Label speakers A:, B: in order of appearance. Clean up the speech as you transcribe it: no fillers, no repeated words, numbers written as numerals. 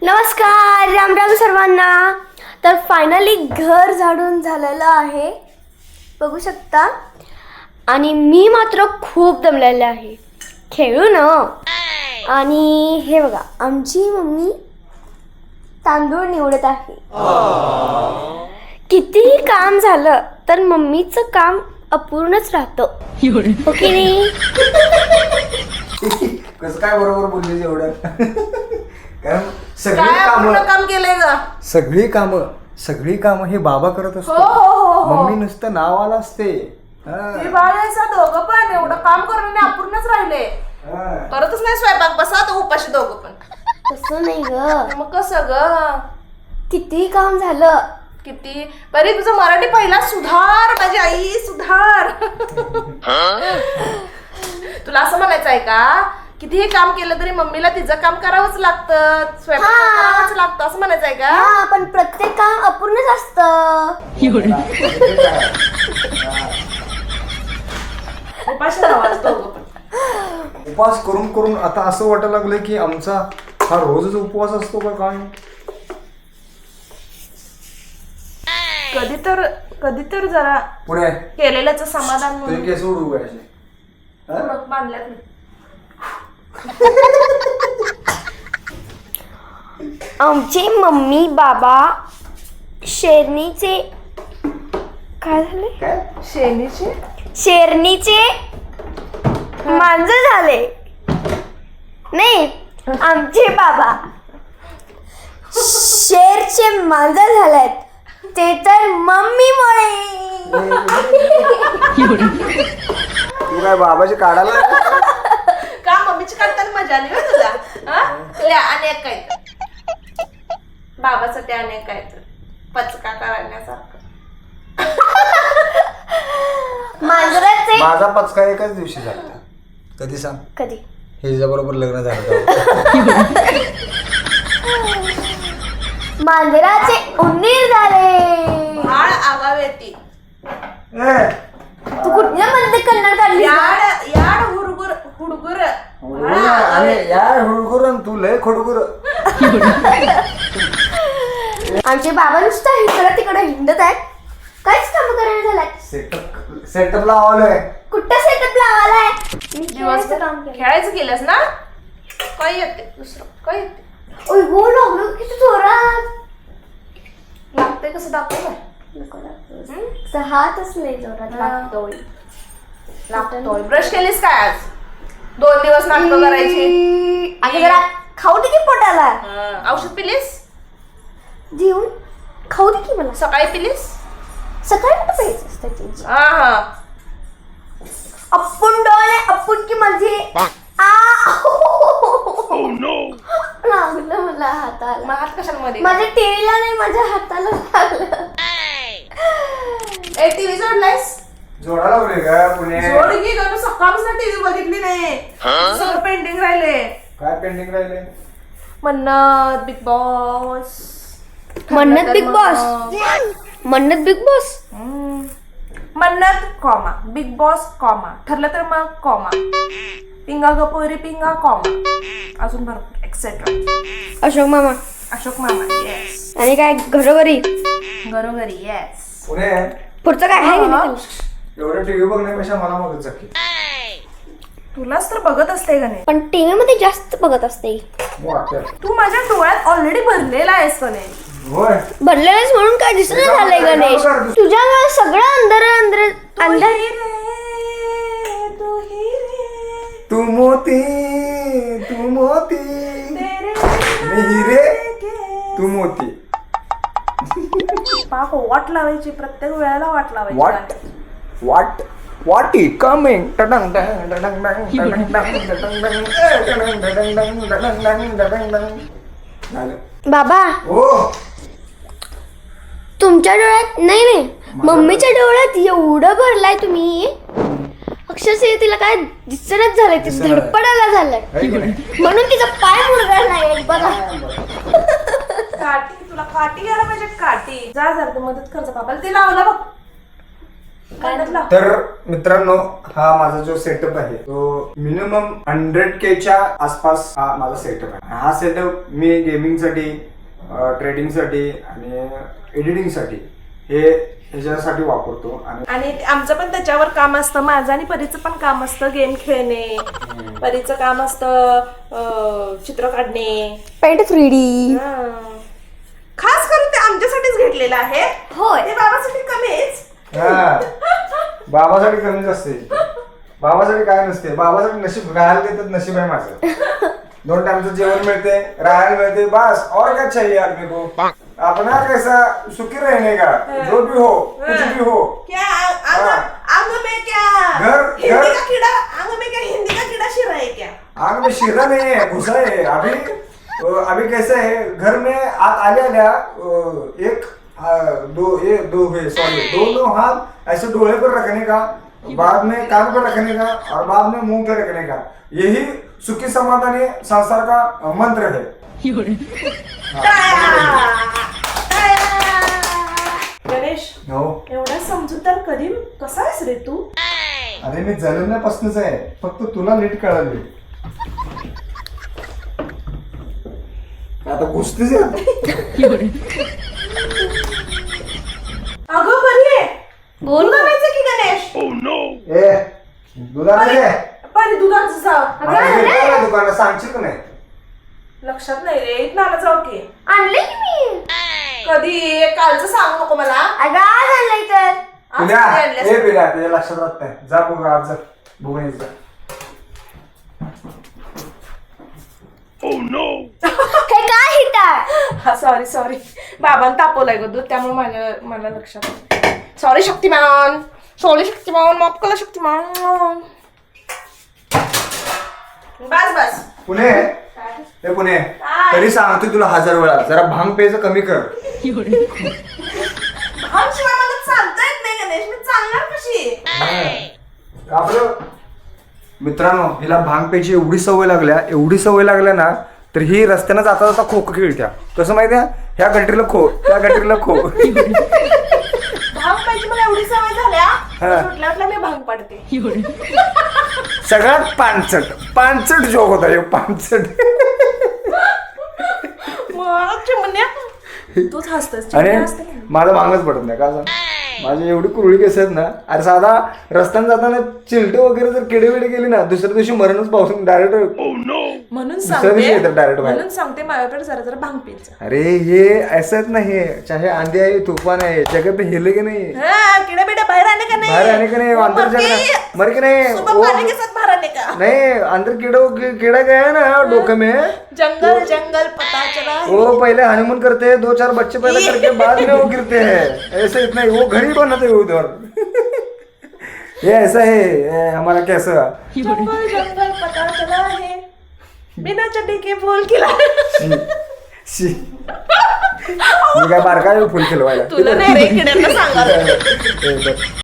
A: नमस्कार, राम राम सर्वांना. तर फायनली घर झाडून झालेलं आहे, बघू शकता. आणि मी मात्र खूप दमलेले आहे. खेळू ना. आणि हे बघा, आमची मम्मी तांदूळ निवडत आहे. कितीही काम झालं तर मम्मीचं काम अपूर्णच राहतं, हो की नाही?
B: कसं काय बरोबर बोलले एवढं? कारण
C: काम केलंय ग.
B: सगळी कामं हे बाबा करत असतो. मम्मी नुसतं नावाला असते.
C: दोघं पण एवढं काम करून अपूर्णच राहिले. करतच नाही स्वयंपाक, बसा तर उपाशी दोघं पण.
A: तसं नाही ग,
C: मग कसं ग?
A: किती काम झालं.
C: किती बरी तुझं मराठी पहिला सुधार, माझी आई सुधार. तुला असं म्हणायचं आहे का? कितीही काम केलं तरी मम्मीला तिचं काम करावंच लागतं, स्वयंपाक करावंच लागतं, असं म्हणायचं आहे का?
A: हा, पण प्रत्येक काम अपूर्णच असतं.
C: उपाशी राहावंच दोघं पण.
B: उपवास करून करून आता असं वाटायला लागलंय की आमचा हा रोजच उपवास असतो का काय?
C: कधी तर जरा
B: पुढे
C: केलेल्याच समाधान
B: तुझे केस उडू व्हायचे.
C: बांधल्यात मी.
A: आमचे मम्मी बाबा शेरणीचे काय झाले?
B: काय?
A: शेरणीचे मांजर झाले. नाही, आमचे बाबा शेरचे मांजर झालेत, ते तर मम्मीमुळे.
B: तू काय बाबाची काढायला?
C: का मम्मीची काढताना मजा आली हो तुला? तुला अनेक काय तर बाबासाठी अनेक काय तर पचका करण्यासारखं.
A: मांजराचे
B: माझा पचका एकाच दिवशी झाला. कधी सांग?
A: कधी?
B: हे बरोबर लग्न झालं.
A: मांजराचे उंदीर झाले.
C: बाळ आगाव येते.
A: तू कुठल्या मध्ये कन्नड काढली?
C: याड हुडगुर हुडगुर.
B: यार हुडगुर तू लय खोडगुर.
A: आमचे बाबा नुसतं इकडं तिकडं हिंडत आहेत, काहीच काम करायला झालाय.
B: सेटअप लावलंय.
A: कुठं सेटअप लावायलाय? मी
C: दिवस
A: खेळायचं काम केलं.
C: खेळायचं केलंस ना? काय येते दुसरं काय येते?
A: ओय हो, लागलो किती जोरात.
C: लागतंय कसं दाखव
A: हातच नाही जोरात लागतोय.
C: लागतोय. ब्रश केलीस काय आज? 2 दिवस नाटकं करायची.
A: आणि जरा खाऊ दे की पोटाला.
C: औषध पिलीस?
A: जेवून खाऊ दे की मला.
C: सकाळी पिलीस?
A: सकाळी कुठं प्यायचं असतं त्यांची?
C: हा.
A: अप्पून डोळे अप्पून की माझी लागलं मला हाताला.
C: मग हात कशामध्ये?
A: माझ्या टीव्हीला नाही, माझ्या हाताला लागलं.
C: टीव्ही जोडलायस?
B: जोडा लावले का पुणे?
C: जोड की गं, सकाळपासून टीव्ही बघितली नाही. सगळं पेंडिंग राहिले.
B: काय पेंडिंग राहिले?
C: Mannat big boss.
A: Mannat big boss. Mannat big boss.
C: Mannat comma big boss comma ठरलं तर मग कॉमा पिंगा गपोरी पिंगा कॉमा अजून भरपूर एक्सेट्रा.
A: अशोक मामा.
C: अशोक मामा येस.
A: आणि काय घरोघरी
C: घरोघरी येस.
B: पुणे
A: पुढचं काय आहे की नाही?
B: एवढं टीव्ही बघण्यापेक्षा मला मदत झाली.
C: तुलाच तर बघत असते का नाही?
A: पण टीव्ही मध्ये जास्त बघत असते.
C: तू माझ्या डोळ्यात ऑलरेडी भरलेला आहेस का नाही?
B: होय.
A: भरलेलंच म्हणून काय दिसत झालंय गणेश? तुझ्यामुळे सगळं अंधार
B: तू मोती मी हिरे तू मोती.
C: पाक वाट लावायची, प्रत्येक वेळेला वाट लावायची.
B: What is coming?
A: बाबा, तुमच्या डोळ्यात नाही, मम्मीच्या डोळ्यात एवढं भरलाय तुम्ही, अक्षरशः तिला काय दिसणच झालंय, ती धडपडायला झालंय, म्हणून तिचा पाय मुरगाळ नाही बघा.
C: काठी तुला काठी घ्यायला पाहिजे. काठी जा जरा मदत कर बाबाला. ते लावला बघ. मन्नतला
B: तर मित्रांनो, हा माझा जो सेटअप आहे तो मिनिमम 100K च्या आसपास हा माझा सेटअप आहे. हा सेटअप मी गेमिंग साठी, ट्रेडिंग साठी आणि एडिटिंग साठी ह्याच्यासाठी वापरतो.
C: आणि आमचं पण त्याच्यावर काम असतं. माझं आणि परीचं पण काम असतं गेम खेळणे, परीचं काम असतं चित्र काढणे,
A: पेंट 3D.
C: खास करून ते आमच्यासाठीच घेतलेलं आहे.
A: होय.
C: ते बाबासाठी कमीच.
B: हा, बाबासाठी कमीच असते. बाबासाठी काय नसते. बाबासाठी नशीब राहायला देतात, नशीब आहे माझं. 2 टाइमचं जेवण मिळते, राहायला मिळते, बस और क्या चाहिए आदमी को. अपना कैसा सुखी रहने का, जो भी हो, कुछ भी हो.
C: क्या आंग में क्या
B: घर-
C: हिंदी
B: घर-
C: का कीड़ा, आंग में क्या हिंदी का कीड़ा शिरा है क्या?
B: आग में शीरा नहीं है, घुसा है. अभी कैसे है, घर में आले आल्या दोनों हाथ ऐसे डोले पर रखने का, बाद में कान पर रखने का और बाद में मुंह पे रखने का. यही सुखी समाधानी संसार का मंत्र है.
C: गणेश,
B: हो,
C: एवढा समजूतदार कधी कसा आहेस रे तू?
B: अरे मी जन्मल्यापासूनच आहे, फक्त तुला नीट कळाली. आता घुसतेच आहे आता.
C: अगं बरी आहे.
A: बोल.
C: दूध आणायचं की गणेश?
B: ए दुधाचे
C: परी दुधाचं जाव.
B: दुकानात सांगशील का नाही?
C: लक्षात नाही रे. इथं आणा जाऊ की.
A: आणले की मी.
C: कधी कालचं सांगू नको मला.
A: अगं आज आणलंय तर.
C: आज
B: पिल्या,
C: कधी आणलंस?
B: ए पिल्या, तुझ्या लक्षात राहत नाही. जा बघ आज जा बघून यायचं.
A: हे काय हिट आहे?
C: हा सॉरी बाबांनी तापवलंय ग दूध, त्यामुळे मला लक्षात. सॉरी शक्तिमान, माफ करा शक्तिमान. बस
B: पुणे ए पुणे, तरी सांगतो तुला 1000 वेळा, जरा भांग प्यायचं कमी कर.
C: भान शिवाय मला चालता येत नाही गणेश. मी चालणार कशी?
B: आपलं मित्रांनो, हिला भांग प्यायची एवढी सवय लागल्या ना, तर ही रस्त्यानं जाता जाता खो खो खेळत्या. कसं माहितीये, ह्या गटरीला खो, त्या गटरीला खो.
C: भांग पाहिजे मला एवढी सवय झाल्या.
B: हा.
C: सुटल्या मी भांग पडते.
B: सगळ्यात पानचट जोक होता हे, पानचट.
C: मग चिमण्या तूच हसतस.
B: आणि माझा भांगच पडत नाही का, माझी एवढी कुरळी केस आहेत ना. अरे साधा रस्त्याने जाताना चिलटे वगैरे जर किडे विडे गेली ना, दुसऱ्या दिवशी मरणच पावसून डायरेक्ट.
C: म्हणून
B: दुसऱ्या दिवशी येतात direct बाहेर.
C: म्हणून सांगते माझ्याकडे जरा भांग प्यायचं.
B: अरे ये ऐसाच नाही, चाहे आंधी आहे तूफान आहे, जगह पे हिले की नहीं,
C: किडे बिडे बाहर आने का नहीं?
B: बाहर आने का नहीं, अंदर जाना मर के नहीं.
C: सुबह पानी के साथ बाहर आने का
B: नहीं, अंदर कीड़ा गया ना डोके में.
C: जंगल पता चला.
B: वो पहले हनीमून करते हैं, 2-4 बच्चे पैदा करके बाद में वो गिरते हैं. ऐसे इतना ही वो घड़ी बनाते हैं उधर. ये ऐसा है ये हमारा कैसा.
C: जंगल पता चला है बिना चड्डी के फूल खिला.
B: शी. मी काय बारका फुल खिलवायला.
C: तुला नाही रे किड्यांना सांगा.